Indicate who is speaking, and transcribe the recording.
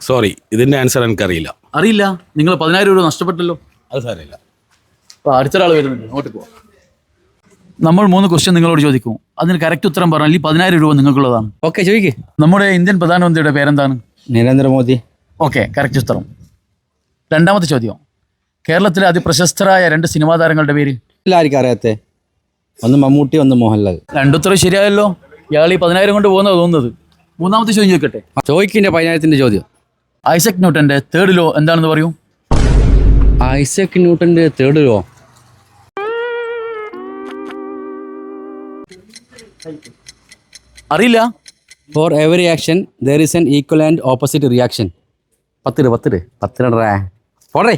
Speaker 1: Sorry, ഇതിന്റെ answer എനിക്കറിയില്ല.
Speaker 2: അറിയില്ല? നിങ്ങൾ 10,000 രൂപ നഷ്ടപ്പെട്ടല്ലോ.
Speaker 1: അത് സാരമില്ല.
Speaker 2: അപ്പോൾ അടുത്തൊരാൾ വരുന്നുണ്ട്, അങ്ങോട്ട് പോവാം. നമ്മൾ 3 ക്വസ്റ്റ്യൻ നിങ്ങളോട് ചോദിക്കും. അതിന് കറക്റ്റ് ഉത്തരം പറഞ്ഞാൽ ഈ 10,000 രൂപ നിങ്ങൾക്കുള്ളതാണ്.
Speaker 3: ഓക്കെ, ചോദിക്ക്.
Speaker 2: നമ്മുടെ ഇന്ത്യൻ പ്രധാനമന്ത്രിയുടെ പേരെന്താണ്?
Speaker 3: നരേന്ദ്രമോദി.
Speaker 2: ഓക്കെ, കറക്റ്റ് ഉത്തരം. രണ്ടാമത്തെ ചോദ്യം, കേരളത്തിലെ അതിപ്രശസ്തരായ 2 സിനിമാ താരങ്ങളുടെ പേര്?
Speaker 3: എല്ലാവർക്കും അറിയാത്തെ, ഒന്ന് മമ്മൂട്ടി, ഒന്ന് മോഹൻലാൽ.
Speaker 2: രണ്ടുത്തരം ശരിയായല്ലോ. ഇയാൾ ഈ 10,000 കൊണ്ട് പോകുന്നത് തോന്നുന്നത്. മൂന്നാമത്തെ ചോദ്യം ചോദിക്കട്ടെ.
Speaker 3: ചോദിക്കിൻ്റെ 10,000ത്തിൻ്റെ ചോദ്യം.
Speaker 2: ഐസക് ന്യൂട്ടന്റെ തേർഡ് ലോ എന്താണെന്ന് പറയൂ?
Speaker 3: ഐസക് ന്യൂട്ടൻ്റെ തേർഡ് ലോ
Speaker 2: അറിയില്ല.
Speaker 3: For every action there is an equal and opposite reaction. 10 പോടേ.